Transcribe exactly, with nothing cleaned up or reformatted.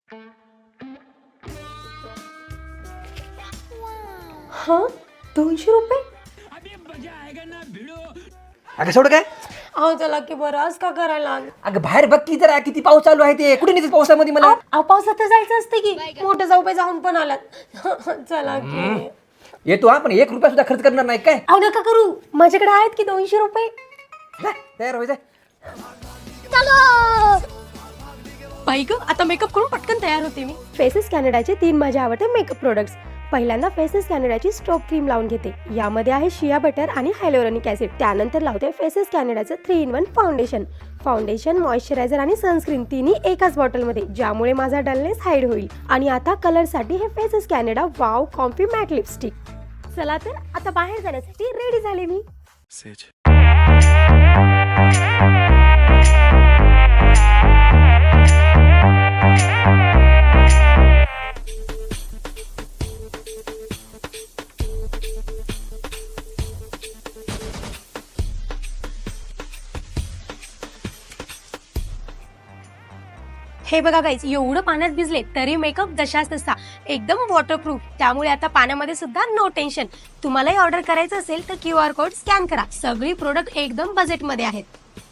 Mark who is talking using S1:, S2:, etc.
S1: हा दोनशे रुपये
S2: अगं सोड काय
S1: अहो चला की बरं आज का करायला लागलं?
S2: अगं बाहेर बघ की जरा किती पाऊस चालू आहे ते कुठे नेते पावसामध्ये मला
S1: अहो पावसात जायचं असते की मोठे जाऊबाई जाऊन पण आलात चला की
S2: येतो हा पण एक रुपया सुद्धा खर्च करणार नाही काय
S1: अहो नका करू माझ्याकडे आहेत की दोनशे रुपये
S2: जा, तयार व्हायचं
S1: बाई ग आता मेकअप करून पटकन तयार होते मी फेसेस कॅनडाचे तीन माझे आवडते मेकअप प्रोडक्ट्स. पहिल्यांदा फेसेस कॅनडाची स्ट्रोब क्रीम लावून घेते. यामध्ये आहे शिया बटर आणि हायलोरॉनिक ऍसिड. त्यानंतर लावते फेसेस कॅनडाचं three in one foundation. Foundation, moisturiser आणि सनस्क्रीन तिन्ही एकाच बॉटलमध्ये, ज्यामुळे माझा डलनेस हाईड होईल. आणि आता कलरसाठी हे Faces Canada wow comfy matte lipstick. चला तर आता बाहेर जाण्यासाठी रेडी झाले मी. हे बघा गाईज, एवढं पाण्यात भिजले तरी मेकअप जशाच तसा एकदम वॉटरप्रूफ. त्यामुळे आता पाण्यामध्ये सुद्धा नो टेन्शन. तुम्हालाही ऑर्डर करायचं असेल तर क्यू आर कोड स्कॅन करा. सगळी प्रोडक्ट एकदम बजेटमध्ये आहेत.